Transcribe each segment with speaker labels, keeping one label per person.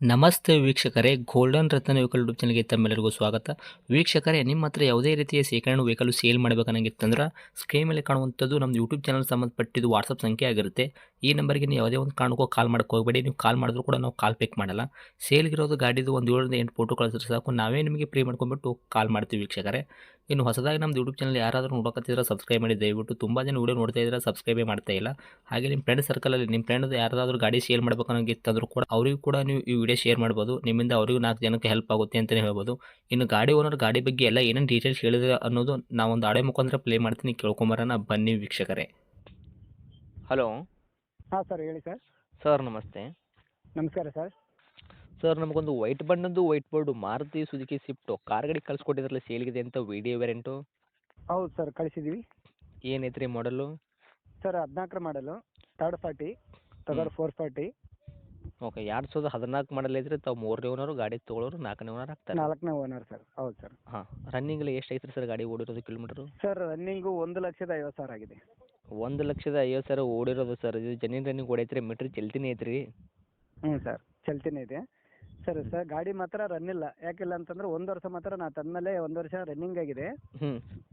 Speaker 1: ನಮಸ್ತೆ ವೀಕ್ಷಕರೇ, ಗೋಲ್ಡನ್ ರತ್ನ vehicle YouTube ಚಾನಲ್ಗೆ ತಮ್ಮೆಲ್ಲರಿಗೂ ಸ್ವಾಗತ. ವೀಕ್ಷಕರೇ, ನಿಮ್ಮ ಹತ್ರ ಯಾವುದೇ ರೀತಿಯ ಶೇಖರಣೆ ವೆಹಿಕಲ್ ಸೇಲ್ ಮಾಡಬೇಕನ್ನಂಗಿತ್ತಂದ್ರೆ ಸ್ಕ್ರೀನ್ ಮೇಲೆ ಕಾಣುವಂಥದ್ದು ನಮ್ಮ ಯೂಟ್ಯೂಬ್ ಚಾನಲ್ ಸಂಬಂಧಪಟ್ಟಿದ್ದು ವಾಟ್ಸಪ್ ಸಂಖ್ಯೆ ಆಗಿರುತ್ತೆ. ಈ ನಂಬರ್ಗೆ ನೀವು ಯಾವುದೇ ಒಂದು ಕಾರಣಕ್ಕೂ ಕಾಲ್ ಮಾಡೋಕ್ಕೆ ಹೋಗಬೇಡಿ. ನೀವು ಕಾಲ್ ಮಾಡಿದ್ರು ಕೂಡ ನಾವು ಕಾಲ್ ಪಿಕ್ ಮಾಡಲ್ಲ. ಸೇಲ್ಗಿರೋದು ಗಾಡಿದು ಒಂದು 7ರಿಂದ 8 ಫೋಟೋ ಕಳಿಸಿದ್ರೆ ಸಾಕು, ನಾವೇ ನಿಮಗೆ ಪ್ರೀ ಮಾಡ್ಕೊಂಡ್ಬಿಟ್ಟು ಕಾಲ್ ಮಾಡ್ತೀವಿ ವೀಕ್ಷಕರೇ. ಇನ್ನು ಹೊಸದಾಗಿ ನಮ್ಮದು ಯೂಟ್ಯೂಬ್ ಚಾನಲ್ ಯಾರಾದರೂ ನೋಡೋಕತ್ತಿದ್ರೆ ಸಬ್ಸ್ಕ್ರೈಬ್ ಮಾಡಿ ದಯವಿಟ್ಟು. ತುಂಬ ಜನ ವೀಡಿಯೋ ನೋಡ್ತಾ ಇದ್ದಾರೆ, ಸಬ್ಸ್ಕ್ರೈಬೇ ಮಾಡ್ತಾ ಇಲ್ಲ. ಹಾಗೆ ನಿಮ್ಮ ಫ್ರೆಂಡ್ ಸರ್ಕಲಲ್ಲಿ ನಿಮ್ಮ ಫ್ರೆಂಡ್ ಯಾರಾದರೂ ಗಾಡಿ ಸೇಲ್ ಮಾಡಬೇಕನ್ನೋಂಗಿತ್ತಂದ್ರೂ ಕೂಡ ಅವರಿಗೂ ಕೂಡ ನೀವು ಈ ವಿಡಿಯೋ ಶೇರ್ ಮಾಡ್ಬೋದು. ನಿಮ್ಮಿಂದ ಅವರಿಗೂ 4 ಜನಕ್ಕೆ ಹೆಲ್ಪ್ ಆಗುತ್ತೆ ಅಂತಲೇ ಹೇಳ್ಬೋದು. ಇನ್ನು ಗಾಡಿ ಓನರ್ ಗಾಡಿ ಬಗ್ಗೆ ಎಲ್ಲ ಏನೇನು ಡೀಟೇಲ್ಸ್ ಹೇಳಿದ್ರೆ ಅನ್ನೋದು ನಾವೊಂದು ಆಡಿಯೋ ಮುಖಾಂತರ ಪ್ಲೇ ಮಾಡ್ತೀನಿ, ಕೇಳ್ಕೊಂಬರೋಣ ಬನ್ನಿ ವೀಕ್ಷಕರೇ. ಹಲೋ
Speaker 2: ಹಾಂ ಸರ್, ಹೇಳಿ ಸರ್.
Speaker 1: ಸರ್, ನಮಸ್ತೆ.
Speaker 2: ನಮಸ್ಕಾರ ಸರ್.
Speaker 1: ಸರ್, ನಮಗೊಂದು ವೈಟ್ ಬಣ್ಣದ್ದು white board Maruti Suzuki Swift car ಗಾಡಿ ಕಳಿಸ್ಕೊಟ್ಟಿದ್ರಲ್ಲ ಸೇಲ್ಗಿದೆ ಅಂತ, ವಿಡಿಯೋ ವೇರಿಯಂಟು
Speaker 2: ಹೌದು ಸರ್, ಕಳಿಸಿದ್ದೀವಿ.
Speaker 1: ಏನೈತ್ರಿ ಮಾಡಲು?
Speaker 2: ಸರ್ 14 ಮಾಡಲು, 340, 440.
Speaker 1: ಓಕೆ, 2014 ಮಾಡಲ್ ಐತ್ರಿ. ತಾವು 3ನೇ ಓನರು, ಗಾಡಿ ತೊಗೊಳೋರು 4ನೇ ಓನರ್ ಆಗ್ತಾರೆ.
Speaker 2: 4ನೇ ಓನರ್ ಸರ್. ಹೌದು ಸರ್.
Speaker 1: ಹಾಂ, ರನ್ನಿಂಗ್ ಎಲ್ಲ ಎಷ್ಟು ಐತ್ರಿ ಸರ್ ಗಾಡಿ ಓಡಿರೋದು ಕಿಲೋಮೀಟ್ರು?
Speaker 2: ಸರ್ ರನ್ನಿಂಗು 1,50,000 ಆಗಿದೆ.
Speaker 1: 1,50,000 ಓಡಿರೋದು ಸರ್. ಇದು ಜೆನ್ಯೂನ್ ರನ್ನಿಂಗ್ ಓಡೈತ್ರಿ, ಮೀಟ್ರ್ ಚಲ್ತಿನೇ ಐತ್ರಿ?
Speaker 2: ಹ್ಞೂ ಸರ್, ಚಲ್ತಿನೇ ಇದೆ. ಸರ್ ಗಾಡಿ ಮಾತ್ರ ರನ್ ಇಲ್ಲ. ಯಾಕಿಲ್ಲ ಅಂತಂದ್ರೆ 1 ವರ್ಷ ಮಾತ್ರ ನಾ ತಂದಮೇಲೆ 1 ವರ್ಷ ರನ್ನಿಂಗ್ ಆಗಿದೆ.
Speaker 1: ಹ್ಞೂ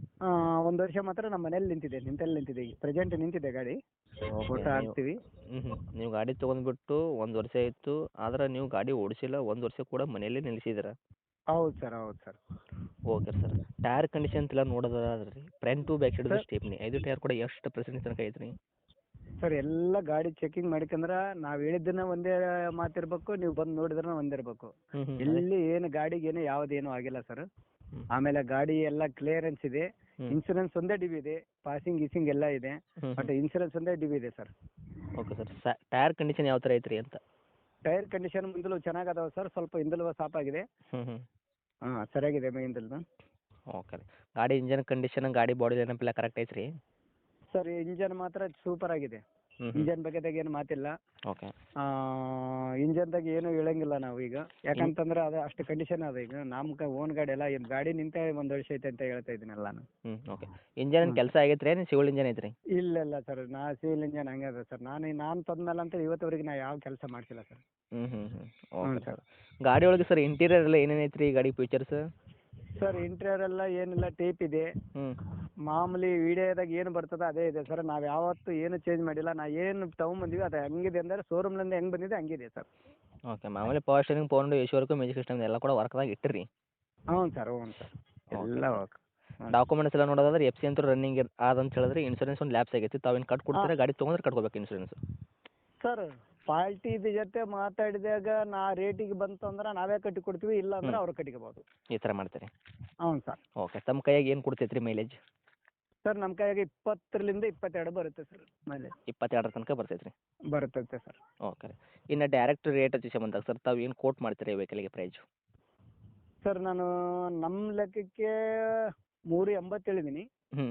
Speaker 2: 1 ವರ್ಷ ಮಾತ್ರ ನಮ್ಮ ಮನೇಲಿ ನಿಂತಿದೆ. ಈಗ ಪ್ರೆಸೆಂಟ್ ನಿಂತಿದೆ ಗಾಡಿ. ಫೋಟೋ ಹಾಕ್ತೀವಿ.
Speaker 1: ನೀವು ಗಾಡಿ ತೊಗೊಂಡ್ಬಿಟ್ಟು 1 ವರ್ಷ ಆಯಿತು, ಆದ್ರೆ ನೀವು ಗಾಡಿ ಓಡಿಸಿಲ್ಲ, 1 ವರ್ಷ ಕೂಡ ಮನೆಯಲ್ಲೇ ನಿಲ್ಲಿಸಿದ್ದೀರ?
Speaker 2: ಹೌದು ಸರ್, ಹೌದು sir.
Speaker 1: Okay sir. Tyre condition ಎಲ್ಲ ನೋಡೋದಾದ್ರೆ ರೀ, front to back side stepney 5 tyre ಕೂಡ ಎಷ್ಟು ಪರ್ಸೆಂಟ್ ತನಕ ಐತ್ರಿ?
Speaker 2: ಸರ್ ಎಲ್ಲ ಗಾಡಿ ಚೆಕಿಂಗ್ ಮಾಡ್ಕಂದ್ರೆ ನಾವು ಹೇಳಿದ್ದನ್ನ ಒಂದೇ ಮಾತಿರ್ಬೇಕು, ನೀವು ಬಂದು ನೋಡಿದ್ರೆ ಒಂದೇ ಇರಬೇಕು. ಎಲ್ಲಿ ಏನು ಗಾಡಿಗೆ ಏನು ಯಾವುದೇನು ಆಗಿಲ್ಲ ಸರ್. ಆಮೇಲೆ ಗಾಡಿ ಎಲ್ಲ ಕ್ಲಿಯರೆನ್ಸ್ ಇದೆ. ಇನ್ಸೂರೆನ್ಸ್ ಒಂದೇ ಡಿಬಿ ಇದೆ. ಪಾಸಿಂಗ್ ಗೀಸಿಂಗ್ ಎಲ್ಲ ಇದೆ. ಬಟ್ ಇನ್ಸೂರೆನ್ಸ್ ಒಂದೇ ಡಿಬಿ ಇದೆ sir.
Speaker 1: Okay sir. Tyre condition ಯಾವ ಥರ ಐತ್ರಿ ಅಂತ?
Speaker 2: ಟೈರ್ ಕಂಡೀಷನ್ ಮುಂದಲು ಚೆನ್ನಾಗದಾವೆ ಸರ್. ಸ್ವಲ್ಪ ಹಿಂದಲು ಸಾಪಾಗಿದೆ. ಹಾಂ, ಸರಿಯಾಗಿದೆ ಹಿಂದಲ್ದು.
Speaker 1: ಓಕೆ ರೀ. ಗಾಡಿ ಇಂಜನ್ ಕಂಡೀಷನ್, ಗಾಡಿ ಬಾಡಿ ನೆನಪಿಲ್ಲ ಕರೆಕ್ಟ್ ಐತ್ರಿ?
Speaker 2: ಸರ್ ಇಂಜನ್ ಮಾತ್ರ ಸೂಪರ್ ಆಗಿದೆ. ಇಂಜನ್ ಬಗ್ಗೆದಾಗ ಏನು ಮಾತಿಲ್ಲ.
Speaker 1: ಓಕೆ.
Speaker 2: ಇಂಜನ್ದಾಗ ಏನು ಹೇಳಂಗಿಲ್ಲ ನಾವು ಈಗ. ಯಾಕಂತಂದ್ರೆ ಅದು ಅಷ್ಟು ಕಂಡೀಷನ್ ಅದ. ಈಗ ನಮ್ಮ ಓನ್ ಗಾಡಿ ಎಲ್ಲ ಗಾಡಿ ನಿಂತ 1 ವರ್ಷ ಐತೆ ಅಂತ ಹೇಳ್ತಾ ಇದ್ದೀನಲ್ಲ ನಾನು.
Speaker 1: ಓಕೆ. ಇಂಜನ್ ಕೆಲಸ ಆಗೈತ್ರಿ, ಸಿವಿಲ್ ಇಂಜನ್ ಐತ್ರಿ?
Speaker 2: ಇಲ್ಲ ಸರ್, ಸಿವಿಲ್ ಇಂಜನ್ ಹಂಗೆ ಅದ ಸರ್. ನಾನು ತಂದ್ಮೇಲೆ ಅಂತ ಇವತ್ತವರೆಗೆ ನಾ ಯಾವ ಕೆಲಸ ಮಾಡ್ಸಿಲ್ಲ ಸರ್.
Speaker 1: Okay sir. ಗಾಡಿ ಒಳಗೆ ಸರ್ ಇಂಟೀರಿಯರ್ ಎಲ್ಲ ಏನೇನು ಐತ್ರಿ ಗಾಡಿ ಫೀಚರ್ಸ್?
Speaker 2: ಸರ್ ಇಂಟೀರಿಯರ್ ಎಲ್ಲ ಏನಿಲ್ಲ, ಟೇಪ್ ಇದೆ. ಮಾಮೂಲಿ ವಿಡಿಯೋದಾಗ ಏನು ಬರ್ತದೆ ಅದೇ ಇದೆ ಸರ್. ನಾವು ಯಾವತ್ತೂ ಏನು ಚೇಂಜ್ ಮಾಡಿಲ್ಲ. ನಾ ಏನು ತೊಗೊಂಬಂದಿವಿ ಅದು ಹಂಗಿದೆ ಅಂದರೆ ಶೋರೂಮ್ನಿಂದ ಹೆಂಗೆ ಬಂದಿದೆ ಹಂಗಿದೆ ಸರ್.
Speaker 1: ಓಕೆ. ಮಾಮೂಲಿ power steering, power window, AC work, music system ಎಲ್ಲ ಕೂಡ ವರ್ಕ್ದಾಗ ಇಟ್ಟಿರಿ?
Speaker 2: ಹ್ಞೂ ಸರ್, ಎಲ್ಲ ವರ್ಕ್.
Speaker 1: ಡಾಕ್ಯುಮೆಂಟ್ಸ್ ಎಲ್ಲ ನೋಡೋದಾದ್ರೆ ಎಫ್ ಸಿ ಅಂತೂ ರನ್ನಿಂಗ್ ಆದಂತ ಹೇಳಿದ್ರೆ, ಇನ್ಸೂರೆನ್ಸ್ ಒಂದು ಲ್ಯಾಪ್ಸ್ ಆಗೈತಿ. ತಾವೇನು ಕಟ್ ಕೊಡ್ತೀರಾ? ಗಾಡಿ ತೊಗೊಂಡ್ರೆ ಕಟ್ಕೋಬೇಕು ಇನ್ಸೂರೆನ್ಸ್?
Speaker 2: ಸರ್ ಪಾರ್ಟಿ ಜೊತೆ ಮಾತಾಡಿದಾಗ ನಾ ರೇಟಿಗೆ ಬಂತು ಅಂದ್ರೆ ನಾವೇ ಕಟ್ಟಿ ಕೊಡ್ತೀವಿ, ಇಲ್ಲ ಅಂದ್ರೆ ಅವ್ರು ಕಟ್ಟಿಕೋಬೋದು.
Speaker 1: ಈ ಥರ ಮಾಡ್ತೀರಿ?
Speaker 2: ಹ್ಞೂ ಸರ್.
Speaker 1: ಓಕೆ. ತಮ್ಮ ಕೈಯಾಗ ಏನು ಕೊಡ್ತೈತ್ರಿ ಮೈಲೇಜ್?
Speaker 2: ಸರ್ ನಮ್ಮ ಕೈಯಾಗ 20ರಿಂದ 22 ಬರುತ್ತೆ ಸರ್ ಮೈಲೇಜ್.
Speaker 1: 22 ತನಕ ಬರ್ತೈತ್ರಿ?
Speaker 2: ಬರುತ್ತೆ ಸರ್.
Speaker 1: ಓಕೆ ರೀ. ಇನ್ನು ಡೈರೆಕ್ಟ್ ರೇಟ್ ವಿಷಯ ಬಂದಾಗ ಸರ್, ತಾವು ಏನು ಕೋಟ್ ಮಾಡ್ತೀರಿ ವೆಹಿಕಲ್ಗೆ ಪ್ರೈಜು?
Speaker 2: ಸರ್ ನಾನು ನಮ್ಮ ಲೆಕ್ಕಕ್ಕೆ 380 ಹೇಳಿದ್ದೀನಿ.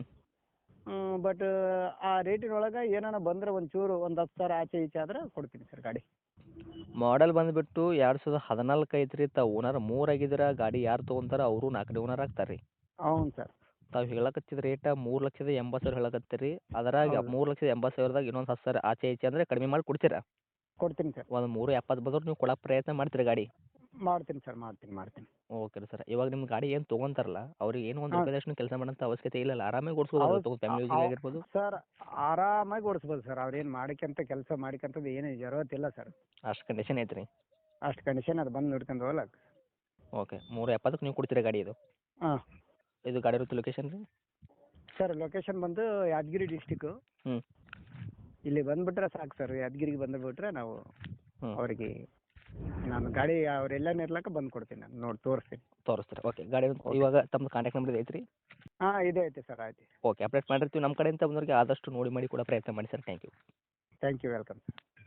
Speaker 2: ಬಟ್ ಆ ರೇಟಿನೊಳಗೆ ಏನಾನ ಬಂದರೆ ಒಂಚೂರು ಒಂದು 10,000 ಆಚೆ ಈಚೆ ಆದ್ರೆ ಕೊಡ್ತೀನಿ ಸರ್ ಗಾಡಿ.
Speaker 1: ಮಾಡೆಲ್ ಬಂದುಬಿಟ್ಟು 2014 ಐತ್ರಿ. ತಾವು ಓನರ್ 3 ಆಗಿದ್ದೀರ. ಗಾಡಿ ಯಾರು ತೊಗೊಂತಾರ ಅವರು 4ನೇ ಓನರ್ ಆಗ್ತಾರೆ ರೀ?
Speaker 2: ಹೌದು ಸರ್.
Speaker 1: ತಾವು ಹೇಳಕತ್ತಿದ ರೇಟ 3,80,000 ಹೇಳಕತ್ತೀರಿ. ಅದರಾಗ 3,80,000ದಾಗ ಇನ್ನೊಂದು 10,000 ಆಚೆ ಈಚೆ ಅಂದರೆ ಕಡಿಮೆ ಮಾಡಿ ಕೊಡ್ತೀರಾ?
Speaker 2: ಕೊಡ್ತೀನಿ ಸರ್.
Speaker 1: ಒಂದು 3,70 ಬಂದ್ರೆ ನೀವು ಕೊಡೋ ಪ್ರಯತ್ನ ಮಾಡ್ತೀರಿ ಗಾಡಿ?
Speaker 2: ಮಾಡ್ತೀನಿ ಸರ್, ಮಾಡ್ತೀನಿ.
Speaker 1: ಓಕೆ ರೀ ಸರ್. ಇವಾಗ ನಿಮ್ಮ ಗಾಡಿ ಏನು ತೊಗೊಂತಾರಲ್ಲ, ಅವ್ರಿಗೆ ಏನು ಒಂದು ರೂಪಾಯಿದಷ್ಟು ಕೆಲಸ ಮಾಡೋಂಥ ಅವಶ್ಯಕತೆ ಇಲ್ಲ, ಆರಾಮಾಗಿ ಓಡಿಸ್ಬೋದು, ಫ್ಯಾಮಿಲಿ ಯೂಸಿಗೆ ಆಗಿರ್ಬೋದು?
Speaker 2: ಸರ್ ಆರಾಮಾಗಿ ಓಡಿಸ್ಬೋದು ಸರ್. ಅವ್ರೇನು ಕೆಲಸ ಮಾಡಿಕಂತದ್ದು ಏನು ಜರೂರತ್ತಿಲ್ಲ ಸರ್.
Speaker 1: ಅಷ್ಟು ಕಂಡೀಷನ್ ಐತ್ರಿ?
Speaker 2: ಅಷ್ಟು ಕಂಡೀಷನ್ ಅದು ಬಂದು ನೋಡ್ಕೊಂಡು ಹೋಗ್ಲಕ್ಕೆ.
Speaker 1: ಓಕೆ. 370ಕ್ಕೆ ನೀವು ಕೊಡ್ತೀರಾ ಗಾಡಿ ಇದು?
Speaker 2: ಹಾಂ.
Speaker 1: ಇದು ಗಾಡಿ ಇರುತ್ತೆ ಲೊಕೇಶನ್ ರೀ?
Speaker 2: ಸರ್ ಲೊಕೇಶನ್ ಬಂದು ಯಾದಗಿರಿ ಡಿಸ್ಟಿಕ್ಕು. ಇಲ್ಲಿ ಬಂದುಬಿಟ್ರೆ ಸಾಕು ಸರ್. ಯಾದಗಿರಿಗೆ ಬಂದುಬಿಟ್ರೆ ನಾವು ಅವರಿಗೆ ನಾನು ಗಾಡಿ ಅವರೆಲ್ಲನೇ ಇರ್ಲಕ್ಕ ಬಂದು ಕೊಡ್ತೀನಿ, ನಾನು ನೋಡಿ
Speaker 1: ತೋರಿಸ್ತೀರಿ? ಓಕೆ. ಗಾಡಿ ಇವಾಗ ತಮ್ಮದು ಕಾಂಟ್ಯಾಕ್ಟ್ ನಂಬರ್ ಐತ್ರಿ?
Speaker 2: ಹಾಂ, ಇದೆ ಐತೆ ಸರ್. ಆಯ್ತು.
Speaker 1: ಓಕೆ. ಅಪ್ಡೇಟ್ ಮಾಡಿರ್ತೀವಿ ನಮ್ಮ ಕಡೆಯಿಂದ ಬಂದವರಿಗೆ ಆದಷ್ಟು ನೋಡಿ ಮಾಡಿ ಕೊಡೋ ಪ್ರಯತ್ನ ಮಾಡಿ sir. Thank you.
Speaker 2: Thank you, welcome sir.